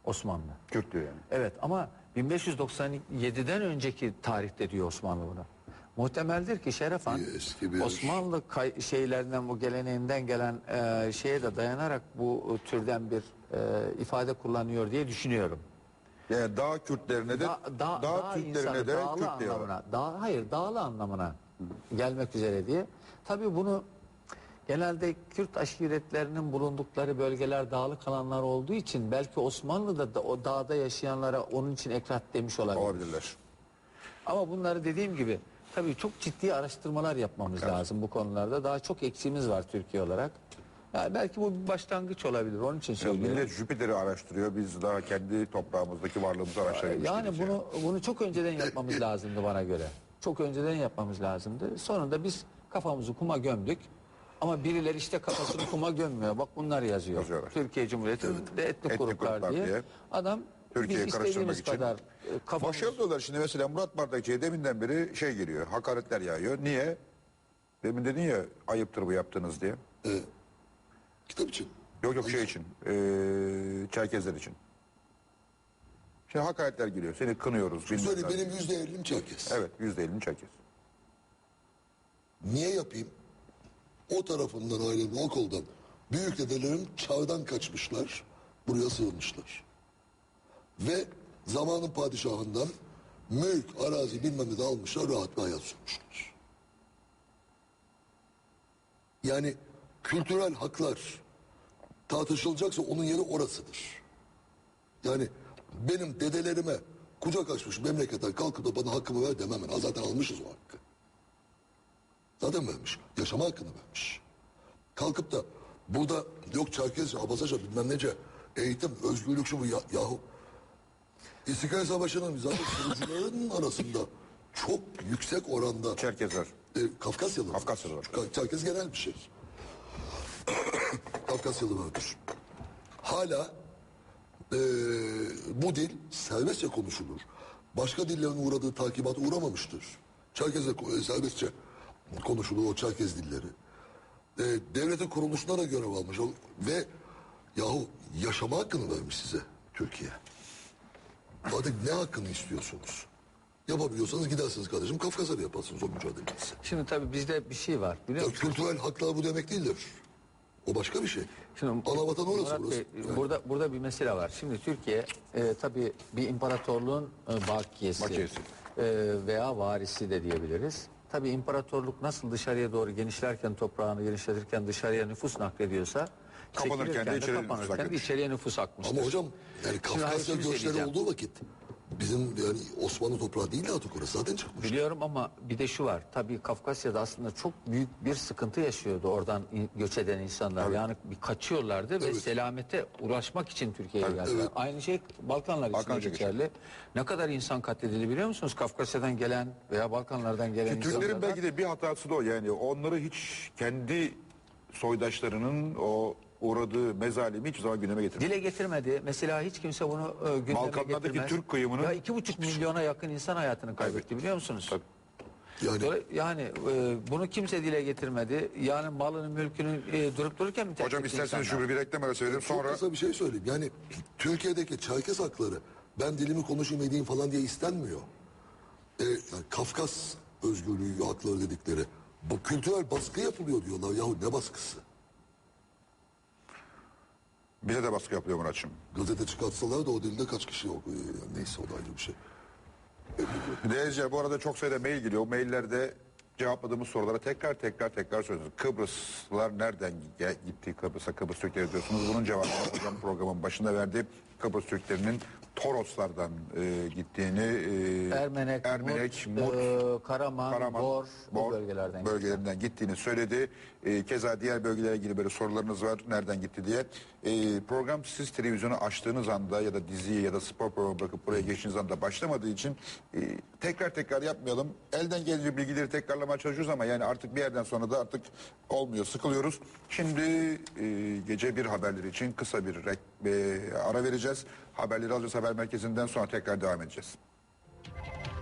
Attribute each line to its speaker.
Speaker 1: Osmanlı.
Speaker 2: Kürt diyor yani.
Speaker 1: Evet ama 1597'den önceki tarihte diyor Osmanlı bunu. Muhtemeldir ki Şerefan
Speaker 3: Eski bir
Speaker 1: Osmanlı şeylerinden, bu geleneğinden gelen şeye de dayanarak bu türden bir ifade kullanıyor diye düşünüyorum.
Speaker 2: Yani dağ Kürtlerine de dağ Türklerine de
Speaker 1: dağlı
Speaker 2: Kürt diyor.
Speaker 1: anlamına, hayır dağlı anlamına gelmek üzere diye. Tabii bunu genelde Kürt aşiretlerinin bulundukları bölgeler dağlık alanlar olduğu için belki Osmanlı'da da o dağda yaşayanlara onun için ekrat demiş
Speaker 2: Olabilirler.
Speaker 1: Ama bunları dediğim gibi tabii çok ciddi araştırmalar yapmamız lazım bu konularda. Daha çok eksiğimiz var Türkiye olarak. Yani belki bu bir başlangıç olabilir. Onun için söylüyorum.
Speaker 2: Millet Jüpiter'i araştırıyor. Biz daha kendi toprağımızdaki varlığımızı araştırıyoruz.
Speaker 1: Yani bunu çok önceden yapmamız lazımdı bana göre. Çok önceden yapmamız lazımdı. Sonunda biz kafamızı kuma gömdük. Ama birileri işte kafasını kuma gömmüyor. Bak bunlar yazıyor.
Speaker 2: Yazıyorlar.
Speaker 1: Türkiye Cumhuriyeti'nde etnik gruplar diye. Adam
Speaker 2: Türkiye'ye
Speaker 1: biz
Speaker 2: karıştırmak
Speaker 1: istediğimiz
Speaker 2: için.
Speaker 1: kadar kafamız...
Speaker 2: Başarılı diyorlar şimdi mesela Murat Bardakçı'ya deminden beri şey geliyor. Hakaretler yağıyor. Niye? Demin dedin ya ayıptır bu yaptığınız diye.
Speaker 3: kitap için.
Speaker 2: Yok şey için. Çerkezler için. Şimdi hakaretler geliyor. Seni kınıyoruz.
Speaker 3: Söyle benim %50'm Çerkes.
Speaker 2: Evet %50'ni Çerkez.
Speaker 3: Niye yapayım? O tarafından ailemin o koldan büyük dedelerim çağdan kaçmışlar. Buraya sığınmışlar. Ve zamanın padişahından mülk, arazi bilmem ne de almışlar. Rahat bir hayat sürmüşler. Yani kültürel haklar tartışılacaksa onun yeri orasıdır. Yani benim dedelerime kucak açmış memleketten kalkıp da bana hakkımı ver demem. Ben. Zaten almışız o hakkı. Zaten vermiş. Yaşama hakkını vermiş. Kalkıp da burada yok Çerkezce, Abazaca bilmem nece eğitim, özgürlük şu bu yahu. İstiklal Savaşı'nın zaten kurucuların arasında çok yüksek oranda
Speaker 2: Çerkezler.
Speaker 3: Kafkasyalı.
Speaker 2: Kafkasyalı var.
Speaker 3: Çerkez genel bir şey. Kafkasyalı vardır. Hala bu dil serbestçe konuşulur. Başka dillerin uğradığı takibata uğramamıştır. Çerkezce serbestçe konuşulur o Çerkez dilleri. Devletin kuruluşuna da görev almış. Ve yahu yaşama hakkını vermiş size Türkiye. Artık ne hakkını istiyorsunuz? Yapabiliyorsanız gidersiniz kardeşim Kafkasya'da yaparsınız o mücadeleyi.
Speaker 1: Şimdi tabii bizde bir şey var biliyor musun?
Speaker 3: Kültürel haklar bu demek değildir. O başka bir şey.
Speaker 1: Şimdi,
Speaker 3: Anavatan orası
Speaker 1: Murat
Speaker 3: burası.
Speaker 1: Bey,
Speaker 3: Yani.
Speaker 1: burada bir mesele var. Şimdi Türkiye tabii bir imparatorluğun bakiyesi veya varisi de diyebiliriz. Tabii imparatorluk nasıl dışarıya doğru genişlerken toprağını genişletirken dışarıya nüfus naklediyorsa
Speaker 2: Kapanırken de içeriye nüfus
Speaker 1: kapanırken de
Speaker 2: akmış.
Speaker 1: içeriye nüfus akmıştır.
Speaker 3: Ama hocam yani
Speaker 1: Şimdi
Speaker 3: Kafkasya
Speaker 1: bir şey
Speaker 3: göçleri
Speaker 1: diyeceğim.
Speaker 3: olduğu vakit bizim yani Osmanlı toprağı değil de artık orası zaten çıkmış.
Speaker 1: Biliyorum ama bir de şu var. Tabii Kafkasya'da aslında çok büyük bir sıkıntı yaşıyordu oradan göç eden insanlar.
Speaker 2: Tabii.
Speaker 1: Yani bir kaçıyorlardı ve
Speaker 3: Evet.
Speaker 1: selamete ulaşmak için Türkiye'ye geldiler.
Speaker 3: evet.
Speaker 1: Aynı şey Balkanlar için de
Speaker 2: Balkanca
Speaker 1: geçerli. Ne kadar insan katledildi biliyor musunuz? Kafkasya'dan gelen veya Balkanlardan gelen
Speaker 2: Türklerin
Speaker 1: insanlar.
Speaker 2: belki de bir hatası da o yani onları hiç kendi soydaşlarının o uğradığı mezalimi hiçbir zaman gündeme getirmedi.
Speaker 1: Dile getirmedi. Mesela hiç kimse bunu gündeme
Speaker 2: Balkanlardaki
Speaker 1: getirmez.
Speaker 2: Türk kıyımının-
Speaker 1: Ya 2,5 milyona yakın insan hayatını kaybetti biliyor musunuz?
Speaker 2: Tabii.
Speaker 3: Yani
Speaker 1: Bunu kimse dile getirmedi. Yani malını mülkünü durup dururken mi terk
Speaker 2: Hocam
Speaker 1: etti
Speaker 2: isterseniz
Speaker 1: insanlar?
Speaker 2: şu bir reklam arası verelim
Speaker 3: çok
Speaker 2: sonra
Speaker 3: kısa bir şey söyleyeyim. Yani Türkiye'deki Çerkes hakları ben dilimi konuşayım edeyim falan diye istenmiyor. Yani Kafkas özgürlüğü hakları dedikleri bu kültürel baskı yapılıyor diyorlar. Yahu ne baskısı?
Speaker 2: bize de baskı yapılıyor Muratçım.
Speaker 3: Gazete çıkartsalar da o dilde kaç kişi okuyor. Yani neyse o da ayrı bir şey.
Speaker 2: Değerli bu arada çok sayıda mail geliyor. O maillerde cevapladığımız sorulara tekrar söylüyoruz. Kıbrıslılar nereden gitti Kıbrıs'a? Kıbrıs Türkleri diyorsunuz. Bunun cevabını hocam programın başında verdi. Kıbrıs Türklerinin Toroslardan gittiğini
Speaker 1: Ermenek, Mut, Karaman, Bor, bu bölgelerinden
Speaker 2: gittiğini söyledi. Keza diğer bölgelere ilgili böyle sorularınız var. Nereden gitti diye. Program siz televizyonu açtığınız anda ya da diziyi ya da spor programı bırakıp buraya geçtiğiniz anda başlamadığı için tekrar yapmayalım. Elden gelince bilgileri tekrarlamaya çalışıyoruz ama yani artık bir yerden sonra da artık olmuyor. Sıkılıyoruz. Şimdi gece bir haberleri için kısa bir ara vereceğiz. Haberleri alacağız haber merkezinden sonra tekrar devam edeceğiz.